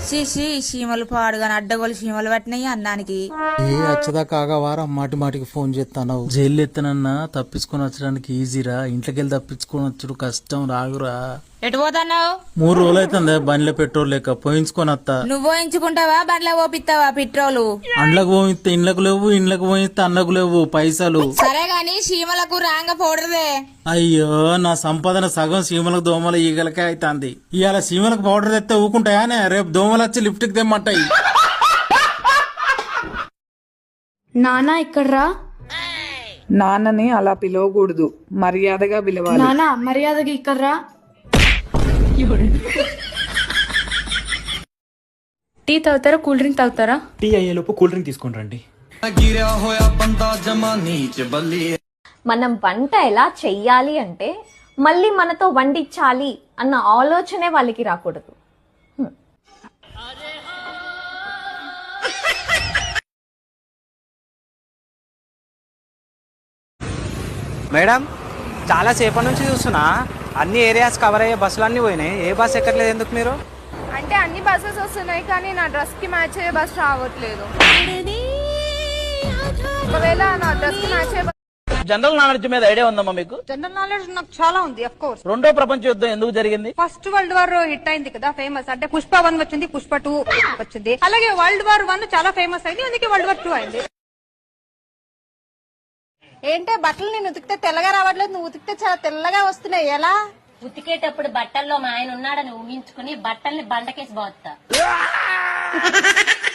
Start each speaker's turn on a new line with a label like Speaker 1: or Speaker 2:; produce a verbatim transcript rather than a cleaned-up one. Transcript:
Speaker 1: శీషి చీమలు పాడుగాని అడ్డగోలు చీమలు పట్టినాయి అన్నానికి.
Speaker 2: ఏ వచ్చదా కాగవారా మాటి మాటికి ఫోన్ చేస్తాను. జైలు ఎత్తనన్నా తప్పించుకొని వచ్చడానికి ఈజీరా, ఇంట్లోకి వెళ్ళి తప్పించుకొని వచ్చుడు కష్టం రాగురా.
Speaker 1: ఎటు పోతున్నావు?
Speaker 2: మూడు రోజులు అవుతుంది బండిలో పెట్రోల్ లేక పోయించుకొని వస్తా.
Speaker 1: నువ్వు పోయించుకుంటావా బండ్ల పోపిస్తావా పెట్రోలు?
Speaker 2: అండ్లకు పోయిస్తే ఇండ్లకు లేవు, ఇండ్లకు పోయిస్తే అన్నకు లేవు పైసలు.
Speaker 1: సరే గాని చీమలకు రాంగ పౌడర్దే.
Speaker 2: అయ్యో నా సంపాదన సగం సీమలకు దోమలు ఈగలకే అవుతుంది. ఇవాళ సీమలకు పౌడర్ తెస్తే ఊకుంటాయానే, రేపు దోమలు వచ్చి లిఫ్ట్ కి తెమ్మంటాయి.
Speaker 3: నానా ఇక్కడ్రా.
Speaker 4: నాన్నని అలా పిలవకూడదు, మర్యాదగా పిలవాలి.
Speaker 3: నానా మర్యాదగా ఇక్కడ్రా. టీ తాగుతారా కూల్ డ్రింక్ తాగుతారా?
Speaker 5: టీ అయ్యేలోపు కూల్ డ్రింక్ తీసుకొని రండి.
Speaker 6: మనం వంట ఎలా చెయ్యాలి అంటే మళ్ళీ మనతో వండించాలి అన్న ఆలోచనే వాళ్ళకి రాకూడదు.
Speaker 7: మేడం చాలా సేపటి నుంచి చూస్తున్నా, అన్ని ఏరియాస్ కవర్ అయ్యే బస్సులు అన్ని పోయినాయి, ఏ బస్ ఎక్కట్లేదు ఎందుకు మీరు?
Speaker 8: అంటే అన్ని బస్సెస్ వస్తున్నాయి కానీ నా డ్రెస్ కి మ్యాచ్ అయ్యే బస్ రావట్లేదు. ఒకవేళ నా డ్రెస్ కి మ్యాచ్ అయ్యే
Speaker 9: జనరల్ నాలెడ్జ్ మీద ఐడియా ఉందమ్మా మీకు?
Speaker 8: జనరల్ నాలెడ్జ్ నాకు చాలా ఉంది. ఆఫ్ కోర్స్
Speaker 9: రెండో ప్రపంచ యుద్ధం ఎందుకు జరిగింది?
Speaker 8: ఫస్ట్ వరల్డ్ వార్ హిట్ అయింది కదా, ఫేమస్. అంటే పుష్ప వన్ వచ్చింది, పుష్ప టూ వచ్చింది. అలాగే వరల్డ్ వార్ వన్ చాలా ఫేమస్ అయింది, అందుకే వరల్డ్ వార్ టూ అయింది. ఏంటే బట్టలు నేను ఉతికితే తెల్లగా రావట్లేదు, నువ్వు ఉతికితే చాలా తెల్లగా వస్తున్నాయి. ఎలా?
Speaker 10: ఉతికేటప్పుడు బట్టల్లో మా ఆయన ఉన్నాడని ఊహించుకుని బట్టల్ని బండకేసి పోతా.